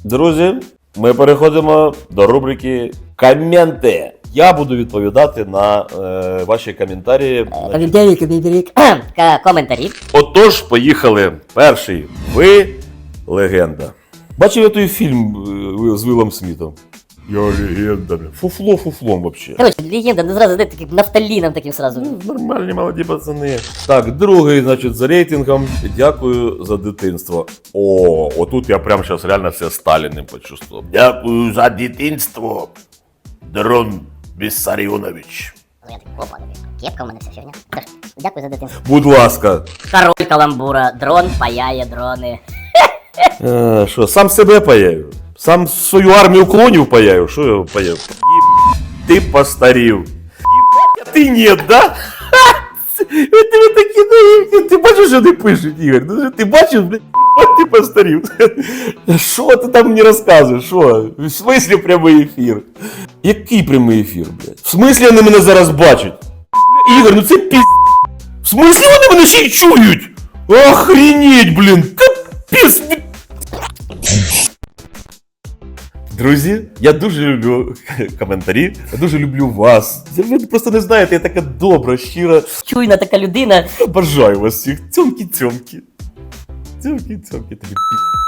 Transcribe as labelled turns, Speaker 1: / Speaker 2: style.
Speaker 1: Друзі, ми переходимо до рубрики «Коменти». Я буду відповідати на ваші коментарі.
Speaker 2: Коментарі.
Speaker 1: Отож, поїхали. Перший. Ви легенда. Бачив я той фільм з Вілом Смітом? Я легенда. Фуфлом вообще.
Speaker 2: Короче, легенда, ну зразу таким нафталином таким сразу.
Speaker 1: Нормальні молоді пацани. Так, другий, значить, за рейтингом. Дякую за дитинство. О, отут я прям зараз реально все Сталіним почувствував. Дякую за дитинство, Дрон Віссаріонович.
Speaker 2: Я так, опа, кепка у мене вся фігня. Дякую за дитинство.
Speaker 1: Будь ласка.
Speaker 2: Король каламбура, дрон паяє дрони.
Speaker 1: Що, сам себе паяю? Сам свою армію клонів паяю? Що я паяю? Ти постарів. Єбать, а ти ні, да? Ти такі наївні. Ти бачиш, що не пишуть, Ігор? Ти бачиш, блядь, ти постарів. Що ти там мені розказуєш? Що? В смислі прямий ефір? Який прямий ефір, блядь? В смислі вони мене зараз бачать? Бля, Ігор, ну це піз... В смислі вони мене ще й чують? Охренеть, блін. Капець. Друзі, я дуже люблю коментарі, я дуже люблю вас. Ви просто не знаєте, я така добра, щира.
Speaker 2: Чуйна така людина.
Speaker 1: Бажаю вас всіх. Цьомки-цьомки. Цьомки-цьомки, тобі пі.